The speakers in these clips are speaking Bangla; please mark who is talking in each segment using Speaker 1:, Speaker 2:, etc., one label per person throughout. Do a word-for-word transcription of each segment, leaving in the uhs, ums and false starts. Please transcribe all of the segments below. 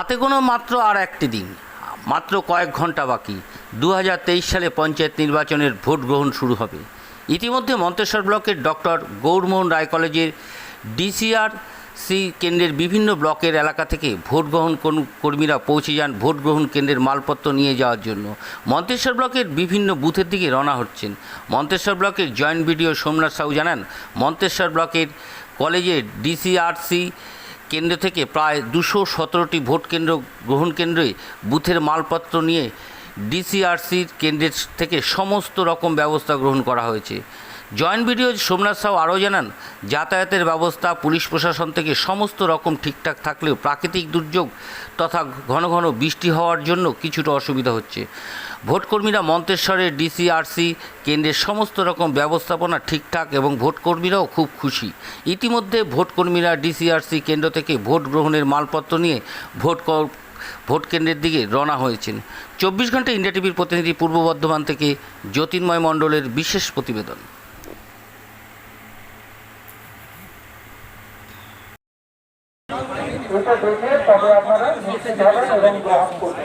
Speaker 1: হাতে গোনা মাত্র আর একটি দিন, মাত্র কয়েক ঘন্টা বাকি দু হাজার তেইশ সালে পঞ্চায়েত নির্বাচনের ভোট গ্রহণ শুরু হবে। ইতিমধ্যে মন্তেশ্বর ব্লকের ডক্টর গৌরমোহন রায় কলেজের ডিসিআরসি কেন্দ্রের বিভিন্ন ব্লকের এলাকা থেকে ভোট গ্রহণ কর্মীরা পৌঁছে যান ভোট গ্রহণ কেন্দ্রের মালপত্র নিয়ে যাওয়ার জন্য। মন্তেশ্বর ব্লকের বিভিন্ন বুথের দিকে রওনা হচ্ছেন। মন্তেশ্বর ব্লকের জয়েন্ট বিডিও সোমনাথ সাহু জানান, মন্তেশ্বর ব্লকের কলেজের ডিসিআরসি কেন্দ্র থেকে প্রায় দুশো সতেরোটি ভোট কেন্দ্র গ্রহণ কেন্দ্রে বুথের মালপত্র নিয়ে ডিসিআরসির কেন্দ্রের থেকে সমস্ত রকম ব্যবস্থা গ্রহণ করা হয়েছে। জয়েন্ট বিডিও সোমনাথ সাহু আরও জানান, যাতায়াতের ব্যবস্থা পুলিশ প্রশাসন থেকে সমস্ত রকম ঠিকঠাক থাকলেও প্রাকৃতিক দুর্যোগ তথা ঘন ঘন বৃষ্টি হওয়ার জন্য কিছুটা অসুবিধা হচ্ছে। ভোটকর্মীরা মন্তেশ্বরের ডিসিআরসি কেন্দ্রের সমস্ত রকম ব্যবস্থাপনা ঠিকঠাক এবং ভোটকর্মীরাও খুব খুশি। ইতিমধ্যে ভোটকর্মীরা ডিসিআরসি কেন্দ্র থেকে ভোট গ্রহণের মালপত্র নিয়ে ভোট ভোট কেন্দ্রের দিকে রওনা হয়েছেন। চব্বিশ ঘন্টা ইন্ডিয়া টিভির প্রতিনিধি পূর্ব বর্ধমান থেকে জ্যোতির্ময় মণ্ডলের বিশেষ প্রতিবেদন।
Speaker 2: এটা দেখে তবে আপনারা নিশ্চিত হবেন এবং গ্রহণ করবেন।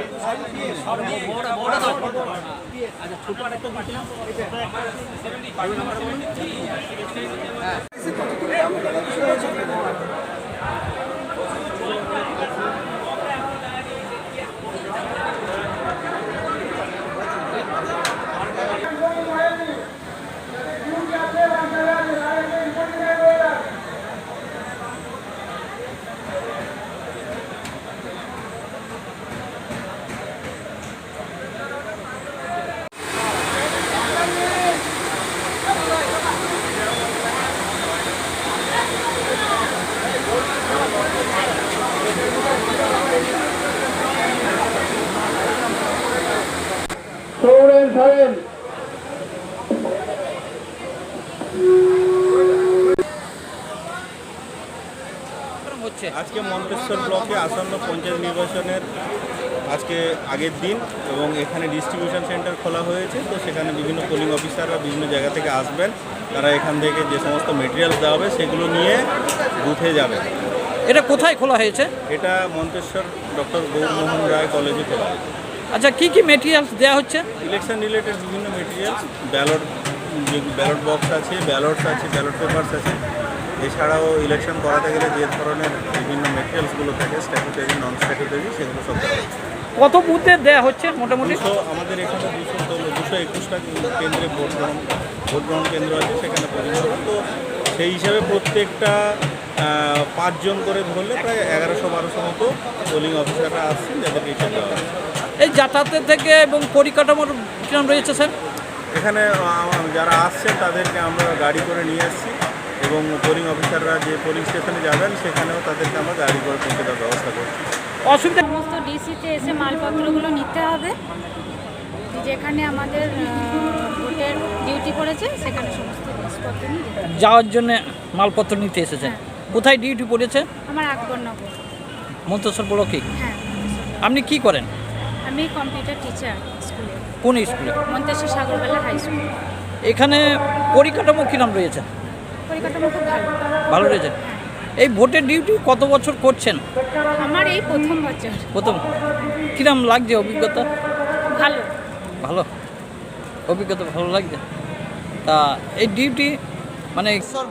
Speaker 3: আজকে মন্তেশ্বর ব্লকে আসন্ন পঞ্চায়েত নির্বাচনের আজকে আগের দিন এবং এখানে ডিস্ট্রিবিউশন সেন্টার খোলা হয়েছে। তো সেখানে বিভিন্ন পোলিং অফিসাররা বিভিন্ন জায়গা থেকে আসবেন, তারা এখান থেকে যে সমস্ত মেটেরিয়ালস দেওয়া হবে সেগুলো নিয়ে বুথে যাবে।
Speaker 4: এটা কোথায় খোলা হয়েছে?
Speaker 3: এটা মন্তেশ্বর ডক্টর গৌরমোহন রায় কলেজে খোলা হয়েছে।
Speaker 4: আচ্ছা, কি কি মেটেরিয়ালস দেওয়া হচ্ছে?
Speaker 3: ইলেকশন রিলেটেড বিভিন্ন মেটেরিয়ালস, ব্যালট ব্যালট বক্স আছে, ব্যালটস আছে, ব্যালট পেপারস আছে। এছাড়াও ইলেকশন করাতে গেলে যে ধরনের বিভিন্ন মেটেরিয়ালসগুলো থাকে, স্ট্যাটুটারি নন স্ট্যাটুটারি, সেগুলো সব দেওয়া হচ্ছে।
Speaker 4: কত বুথে দেওয়া হচ্ছে মোটামুটি?
Speaker 3: দুশো আমাদের এখানে দুশো দুশো একুশটা কেন্দ্রে ভোট গ্রহণ ভোট গ্রহণ কেন্দ্র আছে, সেখানে পরিণত। তো সেই হিসাবে প্রত্যেকটা পাঁচজন করে ধরলে প্রায় এগারোশো বারোশো মতো পোলিং অফিসাররা আসছেন, যাদেরকে হিসাব দেওয়া হয়।
Speaker 4: এই যাতায়াতের থেকে এবং পরিকাঠামোর কিরম রয়েছে স্যার?
Speaker 3: এখানে যারা আসছেন তাদেরকে আমরা গাড়ি করে নিয়ে আসছি এবং পোলিং অফিসাররা যে পোলিং স্টেশনে যাবেন সেখানেও তাদেরকে আমরা গাড়ি করে পৌঁছে দেওয়ার ব্যবস্থা করছি।
Speaker 4: অসুবিধা?
Speaker 5: সমস্ত ডিসিতে এসে মালপত্রগুলো নিতে হবে, যেখানে আমাদের ভোটের ডিউটি পড়েছে সেখানে সমস্ত জিনিসপত্র নিয়ে
Speaker 4: যাওয়ার জন্য মালপত্র নিতে এসেছেন। কোথায় ডিউটি পড়েছে?
Speaker 5: আমার আকবরনগর
Speaker 4: মন্তেশ্বর ব্লকে।
Speaker 5: হ্যাঁ।
Speaker 4: আপনি কি করেন?
Speaker 5: আমি কম্পিউটার টিচার স্কুলে।
Speaker 4: কোন স্কুলে?
Speaker 5: Manteswar Sagarbela high school.
Speaker 4: এখানে পরিকাঠামো কিরম রয়েছে?
Speaker 5: পরিকাঠামো খুব ভালো।
Speaker 4: ভালো রয়েছে। এই ভোটের ডিউটি কত বছর করছেন?
Speaker 5: আমার এই প্রথম বছর।
Speaker 4: প্রথম। কিরম লাগছে অভিজ্ঞতা?
Speaker 5: ভালো।
Speaker 4: ভালো অভিজ্ঞতা ভালো লাগছে। তা এই ডিউটি মানে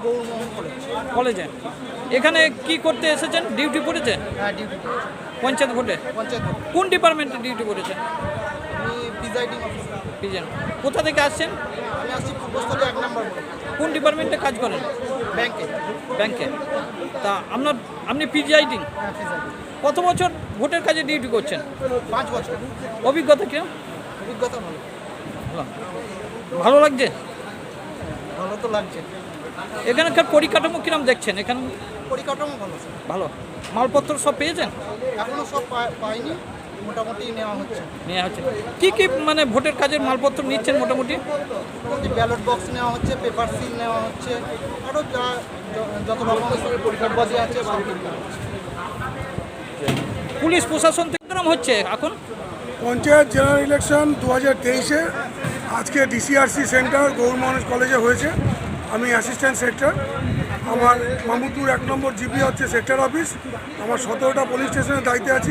Speaker 4: কলেজে এখানে কি করতে এসেছেন? ডিউটি পড়েছে?
Speaker 6: হ্যাঁ, ডিউটি
Speaker 4: পঞ্চায়েত ভোটে?
Speaker 6: পঞ্চায়েত
Speaker 4: কোন ডিপার্টমেন্টে ডিউটি পড়েছে?
Speaker 6: আমি প্রিজাইডিং অফিসার।
Speaker 4: পিজেন। কোথা থেকে আসছেন?
Speaker 6: আমি আসছি পূর্বস্থলী এক নম্বর
Speaker 4: কোন ডিপার্টমেন্টে কাজ করেন?
Speaker 6: ব্যাংকে।
Speaker 4: ব্যাংকে। তা আপনার আপনি প্রিজাইডিং
Speaker 6: হ্যাঁ, প্রিজাইডিং।
Speaker 4: কত বছর ভোটের কাজে ডিউটি করছেন?
Speaker 6: পাঁচ বছর।
Speaker 4: অভিজ্ঞতা কেউ?
Speaker 6: অভিজ্ঞতা ভালো।
Speaker 4: ভালো ভালো লাগছে?
Speaker 6: ভালো তো লাগছে।
Speaker 4: এখানকার পরিকাঠামো কিরম দেখছেন? এখানে
Speaker 6: পরিকাঠামো ভালো স্যার।
Speaker 4: ভালো। মালপত্র সব পেয়েছেন?
Speaker 6: এখনও সব পা- পাইনি, মোটামুটি নেওয়া হচ্ছে।
Speaker 4: নেওয়া হচ্ছে। কী কী মানে ভোটের কাজের মালপত্র নিচ্ছেন মোটামুটি?
Speaker 6: মোটামুটি ব্যালট বক্স নেওয়া হচ্ছে, পেপার সিল নেওয়া হচ্ছে, আরও যা য- যত রকমের পরিকাঠামো আছে সব নেওয়া হচ্ছে।
Speaker 4: পুলিশ প্রশাসন থেকে কিরম হচ্ছে এখন?
Speaker 7: পঞ্চায়েত জেনারেল ইলেকশন দু হাজার তেইশে আজকে ডিসিআরসি সেন্টার গৌরমোহন কলেজে হয়েছে। আমি অ্যাসিস্ট্যান্ট সেক্টর। আমার মামুদপুর এক নম্বর জিপি হচ্ছে সেক্টর অফিস। আমার সতেরোটা পুলিশ স্টেশনের দায়িত্বে আছি।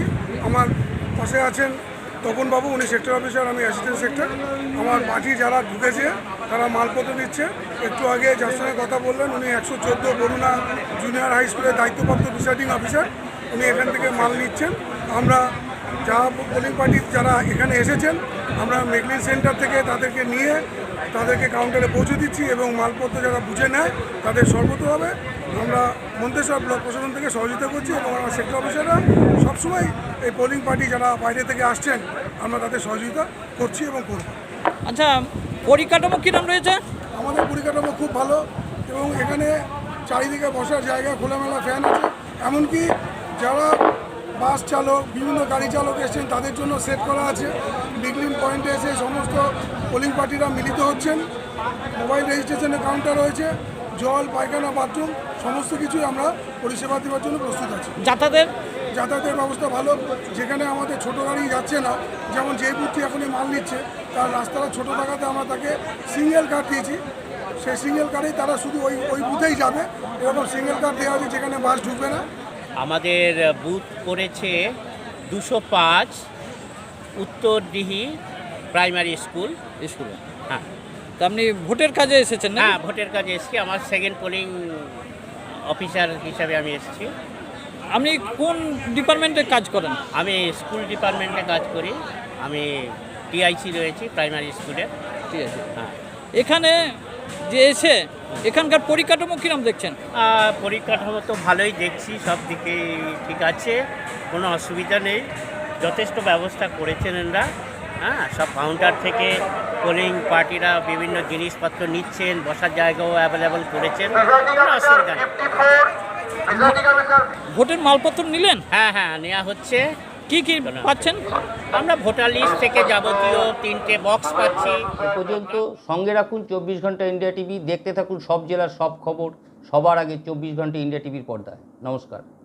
Speaker 7: আমার পাশে আছেন তপনবাবু, উনি সেক্টর অফিসার, আমি অ্যাসিস্ট্যান্ট সেক্টর। আমার পার্টি যারা ঢুকেছে তারা মালপত্র দিচ্ছে। একটু আগে যার সঙ্গে কথা বললেন উনি একশো চোদ্দো বরুণা জুনিয়র হাই স্কুলের দায়িত্বপ্রাপ্ত প্রিসাইডিং অফিসার, উনি এখান থেকে মাল নিচ্ছেন। আমরা যা পোলিং পার্টি যারা এখানে এসেছেন আমরা মেকলিন সেন্টার থেকে তাদেরকে নিয়ে তাদেরকে কাউন্টারে পৌঁছে দিচ্ছি এবং মালপত্র যারা বুঝে নেয় তাদের সর্বতভাবে আমরা মন্তেশ্বর ব্লক প্রশাসন থেকে সহযোগিতা করছি এবং আমার সেক্টর অফিসাররা সবসময় এই পোলিং পার্টি যারা বাইরে থেকে আসছেন আমরা তাদের সহযোগিতা করছি এবং করব।
Speaker 4: আচ্ছা, পরিকাঠামো কিরম রয়েছে?
Speaker 7: আমাদের পরিকাঠামো খুব ভালো এবং এখানে চারিদিকে বসার জায়গা, খোলামেলা ফ্যান আছে। এমনকি যারা বাস চালক, বিভিন্ন গাড়ি চালক এসেছেন তাদের জন্য সেট করা আছে। বিগলিন পয়েন্টে এসে সমস্ত পোলিং পার্টিরা মিলিত হচ্ছেন। মোবাইল রেজিস্ট্রেশনের কাউন্টার রয়েছে, জল, পায়খানা, বাথরুম সমস্ত কিছুই আমরা পরিষেবা দেওয়ার জন্য প্রস্তুত আছি।
Speaker 4: যাতায়াতের
Speaker 7: যাতায়াতের ব্যবস্থা ভালো। যেখানে আমাদের ছোটো গাড়ি যাচ্ছে না, যেমন যে বুথটি এখনই মাল নিচ্ছে তার রাস্তাটা ছোটো থাকাতে আমরা তাকে সিঙ্গেল কার দিয়েছি। সেই সিঙ্গেল কারেই তারা শুধু ওই ওই বুথেই যাবে, এরকম সিঙ্গেল কার দেওয়া আছে যেখানে বাস ঢুকবে না।
Speaker 8: আমাদের বুথ পড়েছে দুশো পাঁচ উত্তরদিহি প্রাইমারি স্কুল।
Speaker 4: স্কুলে।
Speaker 8: হ্যাঁ
Speaker 4: তো আপনি ভোটের কাজে এসেছেন না?
Speaker 8: হ্যাঁ, ভোটের কাজে এসেছি। আমার সেকেন্ড পোলিং অফিসার হিসাবে আমি এসেছি।
Speaker 4: আপনি কোন ডিপার্টমেন্টে কাজ করেন?
Speaker 8: আমি স্কুল ডিপার্টমেন্টে কাজ করি। আমি টিআইসি রয়েছি প্রাইমারি স্কুলে।
Speaker 4: ঠিক আছে।
Speaker 8: হ্যাঁ,
Speaker 4: এখানে যে এসে এখানকার পরিকাঠামো কিরম দেখছেন?
Speaker 8: আহ, পরিকাঠামো তো ভালোই দেখছি, সব দিকে ঠিক আছে, কোনো অসুবিধা নেই। যথেষ্ট ব্যবস্থা করেছেন এনারা। হ্যাঁ, সব কাউন্টার থেকে পোলিং পার্টিরা বিভিন্ন জিনিসপত্র নিচ্ছেন, বসার জায়গাও অ্যাভেলেবল করেছেন, কোনো অসুবিধা নেই।
Speaker 4: ভোটের মালপত্র নিলেন?
Speaker 8: হ্যাঁ হ্যাঁ, নেওয়া হচ্ছে।
Speaker 4: কি কি পাচ্ছেন?
Speaker 8: আমরা ভোটার লিস্ট থেকে যাবতীয় তিনটে বক্স পাচ্ছি।
Speaker 1: এ পর্যন্ত সঙ্গে রাখুন চব্বিশ ঘন্টা ইন্ডিয়া টিভি, দেখতে থাকুন সব জেলার সব খবর সবার আগে চব্বিশ ঘন্টা ইন্ডিয়া টিভির পর্দায়। নমস্কার।